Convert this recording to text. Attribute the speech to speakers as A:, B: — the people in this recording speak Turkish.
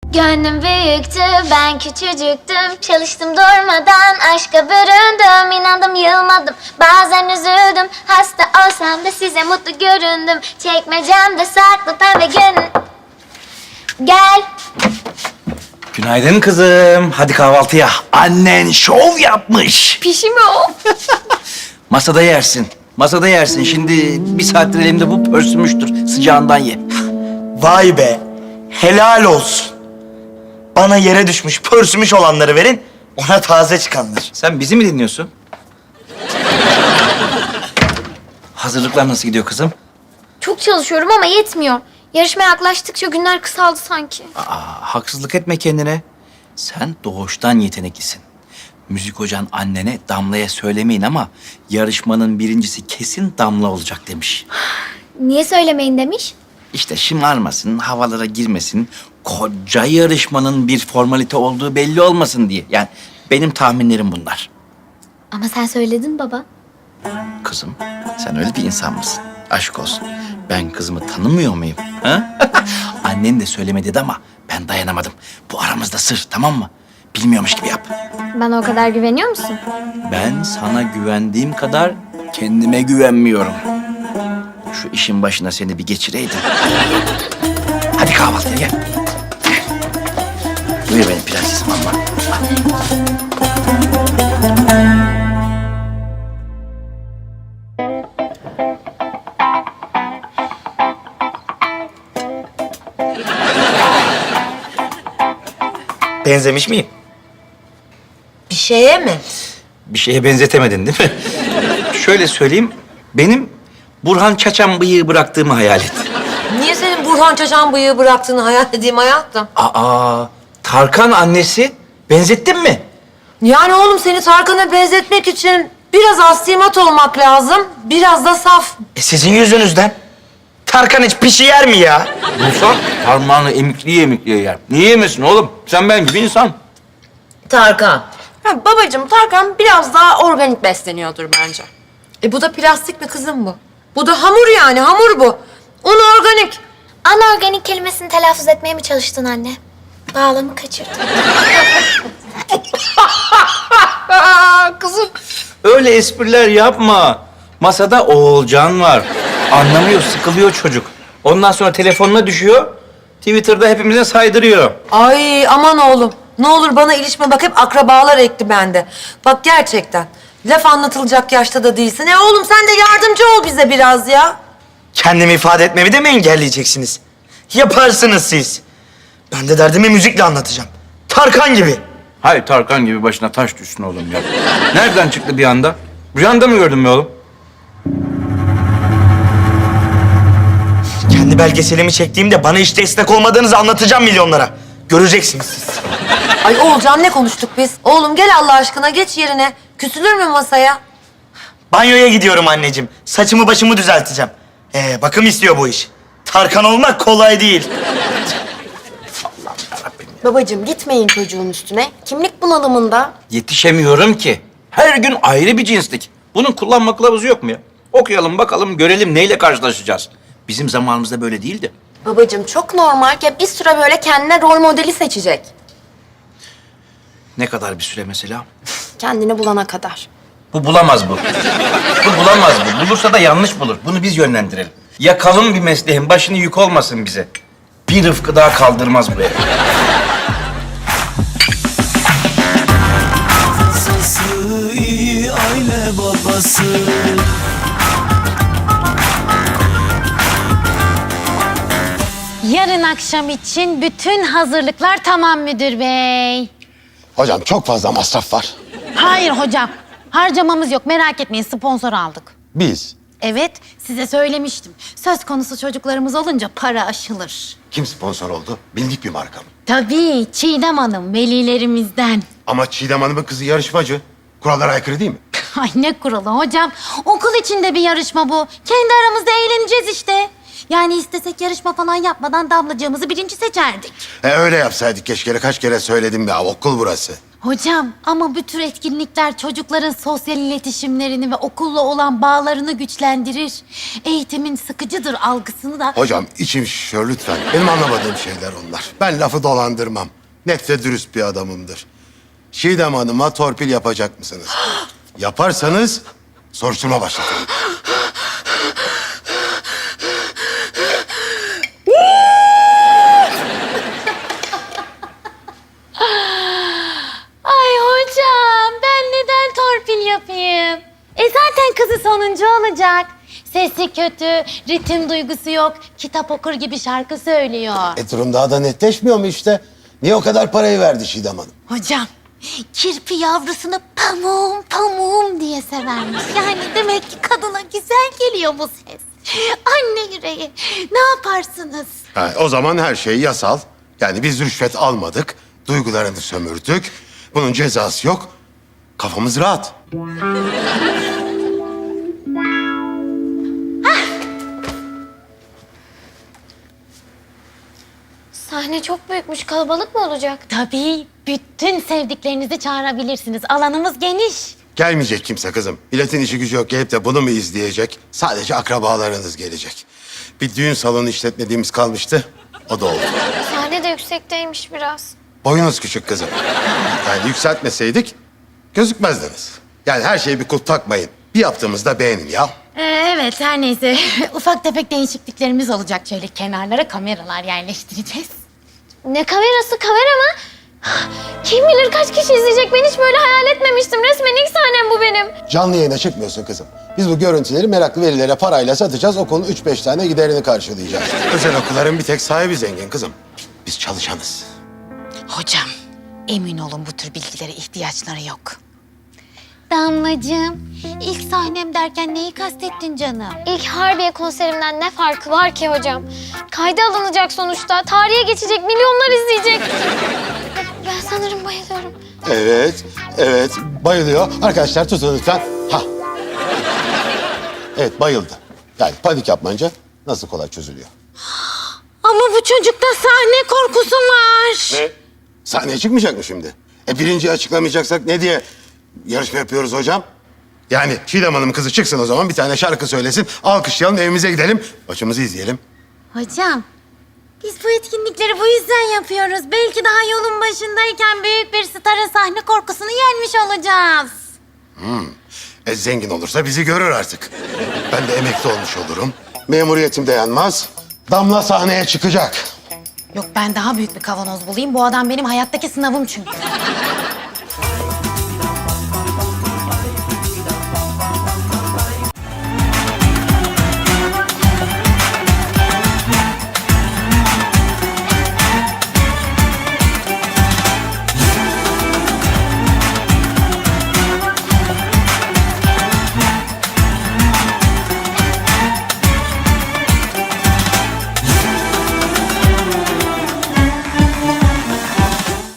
A: Gönlüm büyüktü, ben küçücüktüm. Çalıştım durmadan, aşka büründüm. İnandım, yılmadım, bazen üzüldüm. Hasta olsam da size mutlu göründüm. Çekmecemde saklı pembe gün. Gel.
B: Günaydın kızım. Hadi kahvaltıya. Annen şov yapmış.
A: Pişi mi o?
B: Masada yersin. Masada yersin. Şimdi bir saattir elimde bu pörsümüştür. Sıcağından ye.
C: Vay be. Helal olsun. Bana yere düşmüş, pörsümüş olanları verin. Ona taze çıkanlar.
B: Sen bizi mi dinliyorsun? Hazırlıklar nasıl gidiyor kızım?
A: Çok çalışıyorum ama yetmiyor. Yarışmaya yaklaştıkça günler kısaldı sanki.
B: Haksızlık etme kendine. Sen doğuştan yeteneklisin. Müzik hocan annene Damla'ya söylemeyin ama yarışmanın birincisi kesin Damla olacak demiş.
A: Niye söylemeyin demiş?
B: İşte şımarmasın, havalara girmesin, koca yarışmanın bir formalite olduğu belli olmasın diye. Yani benim tahminlerim bunlar.
A: Ama sen söyledin baba.
B: Kızım, sen öyle bir insan mısın? Aşk olsun. Ben kızımı tanımıyor muyum? Ha? Annen de söyleme dedi ama ben dayanamadım. Bu aramızda sır, tamam mı? Bilmiyormuş gibi yap.
A: Bana o kadar güveniyor musun?
B: Ben sana güvendiğim kadar kendime güvenmiyorum. Şu işin başına seni bir geçireydim. Hadi kahvaltıya gel. Buyur benim prensesim ama.
C: Benzemiş miyim?
D: Bir şeye mi?
B: Bir şeye benzetemedin değil mi? Şöyle söyleyeyim, benim Burhan Çaçan bıyığı bıraktığımı hayal et.
D: Niye senin Burhan Çaçan bıyığı bıraktığını hayal edeyim hayatım?
B: Tarkan annesi benzettin mi?
D: Yani oğlum seni Tarkan'a benzetmek için biraz astimat olmak lazım, biraz da saf.
C: Sizin yüzünüzden. Tarkan hiç pişi yer mi ya?
B: Bulsan parmağını emikliye emikliye yer. Niye yemesin oğlum? Sen ben gibi insan.
D: Tarkan.
E: Ha, babacığım Tarkan biraz daha organik besleniyordur bence.
D: Bu da plastik mi kızım bu? Bu da hamur yani, hamur bu. Un organik.
A: Anorganik kelimesini telaffuz etmeye mi çalıştın anne? Bağlamı kaçırdım.
B: Kızım. Öyle espriler yapma. Masada Oğulcan var. Anlamıyor, sıkılıyor çocuk. Ondan sonra telefonuna düşüyor. Twitter'da hepimize saydırıyor.
D: Ay aman oğlum. Ne olur bana ilişme bak, hep akrabalar ekti bende. Bak gerçekten. Laf anlatılacak yaşta da değilsin. Oğlum sen de yardımcı ol bize biraz ya.
C: Kendimi ifade etmemi de mi engelleyeceksiniz? Yaparsınız siz. Ben de derdimi müzikle anlatacağım. Tarkan gibi.
B: Hayır, Tarkan gibi başına taş düşsün oğlum ya. Nereden çıktı bir anda? Rüyanda mı gördün be oğlum?
C: Kendi belgeselimi çektiğimde bana hiç destek olmadığınızı anlatacağım milyonlara. Göreceksiniz siz.
D: Ay Oğulcan ne konuştuk biz? Oğlum gel Allah aşkına geç yerine. Küsülür mü masaya?
C: Banyoya gidiyorum anneciğim. Saçımı başımı düzelteceğim. Bakım istiyor bu iş. Tarkan olmak kolay değil.
E: Babacığım gitmeyin çocuğun üstüne. Kimlik bunalımında.
B: Yetişemiyorum ki. Her gün ayrı bir cinslik. Bunun kullanma kılavuzu yok mu ya? Okuyalım bakalım, görelim neyle karşılaşacağız. Bizim zamanımızda böyle değildi.
E: Babacığım çok normal ya, bir süre böyle kendine rol modeli seçecek.
B: Ne kadar bir süre mesela?
E: Kendini bulana kadar.
B: Bu bulamaz bu. Bu bulamaz bu. Bulursa da yanlış bulur. Bunu biz yönlendirelim. Yakalım bir mesleğin başını yük olmasın bize. Bir Rıfkı daha kaldırmaz bu ev.
F: İyi aile babası.
G: Yarın akşam için bütün hazırlıklar tamam müdür bey.
H: Hocam çok fazla masraf var.
G: Hayır hocam, harcamamız yok, merak etmeyin, sponsor aldık.
H: Biz.
G: Evet, size söylemiştim. Söz konusu çocuklarımız olunca para aşılır.
H: Kim sponsor oldu? Bildik bir marka mı?
G: Tabii, Çiğdem Hanım, velilerimizden.
H: Ama Çiğdem Hanım'ın kızı yarışmacı. Kurallara aykırı değil mi?
G: Ay ne kuralı hocam, okul içinde bir yarışma bu. Kendi aramızda eğleneceğiz işte. Yani istesek yarışma falan yapmadan Damlacığımızı birinci seçerdik.
H: Öyle yapsaydık keşke. Kaç kere söyledim ya, okul burası.
G: Hocam ama bu tür etkinlikler çocukların sosyal iletişimlerini ve okulla olan bağlarını güçlendirir. Eğitimin sıkıcıdır algısını da...
H: Hocam içim şişiyor lütfen. Benim anlamadığım şeyler onlar. Ben lafı dolandırmam. Net ve dürüst bir adamımdır. Çiğdem Hanım'a torpil yapacak mısınız? Yaparsanız soruşturma başlatırım.
G: Ay hocam ben neden torpil yapayım? Zaten kızı sonuncu olacak. Sesi kötü, ritim duygusu yok, kitap okur gibi şarkı söylüyor.
H: Durum daha da netleşmiyor mu işte? Niye o kadar parayı verdi Çiğdem Hanım?
G: Hocam, kirpi yavrusunu pamuğum pamuğum diye severmiş. Yani demek ki kadına güzel geliyor bu ses. Anne yüreği, ne yaparsınız?
H: O zaman her şey yasal. Yani biz rüşvet almadık, duygularını sömürdük. Bunun cezası yok. Kafamız rahat.
A: Sahne çok büyükmüş. Kalabalık mı olacak?
G: Tabii, bütün sevdiklerinizi çağırabilirsiniz. Alanımız geniş.
H: Gelmeyecek kimse kızım. Milletin işi gücü yok gelip de bunu mu izleyecek? Sadece akrabalarınız gelecek. Bir düğün salonu işletmediğimiz kalmıştı. O da oldu.
A: Sahne de yüksekteymiş biraz.
H: Boyunuz küçük kızım. Yani yükseltmeseydik gözükmezdiniz. Yani her şeye bir kulp takmayın. Bir yaptığımızda beğenin ya.
G: Evet, her neyse. Ufak tefek değişikliklerimiz olacak. Şöyle kenarlara kameralar yerleştireceğiz.
A: Ne kamerası? Kamera mı? Kim bilir kaç kişi izleyecek? Ben hiç böyle hayal etmemiştim. Resmen ilk sahnem bu benim.
H: Canlı yayına çıkmıyorsun kızım. Biz bu görüntüleri meraklı velilere parayla satacağız. Okulun 3-5 tane giderini karşılayacağız. Özel okulların bir tek sahibi zengin kızım. Biz çalışanız.
G: Hocam, emin olun bu tür bilgilere ihtiyaçları yok. Damlacığım, ilk sahnem derken neyi kastettin canım?
A: İlk Harbiye konserimden ne farkı var ki hocam? Kayda alınacak sonuçta. Tarihe geçecek, milyonlar izleyecek. Ben sanırım bayılıyorum.
H: Evet, bayılıyor. Arkadaşlar tutun lütfen. Ha. Evet, bayıldı. Yani panik yapmayınca nasıl kolay çözülüyor.
G: Ama bu çocukta sahne korkusu var.
H: Ne? Sahneye çıkmayacak mı şimdi? Birinciyi açıklamayacaksak ne diye yarışma yapıyoruz hocam? Yani Çiğdem Hanım kızı çıksın o zaman, bir tane şarkı söylesin. Alkışlayalım, evimize gidelim. Maçımızı izleyelim.
G: Hocam, biz bu etkinlikleri bu yüzden yapıyoruz. Belki daha yolun başındayken büyük bir starın sahne korkusunu yenmiş olacağız.
H: Zengin olursa bizi görür artık. Ben de emekli olmuş olurum. Memuriyetim de yanmaz. Damla sahneye çıkacak.
G: Yok ben daha büyük bir kavanoz bulayım. Bu adam benim hayattaki sınavım çünkü.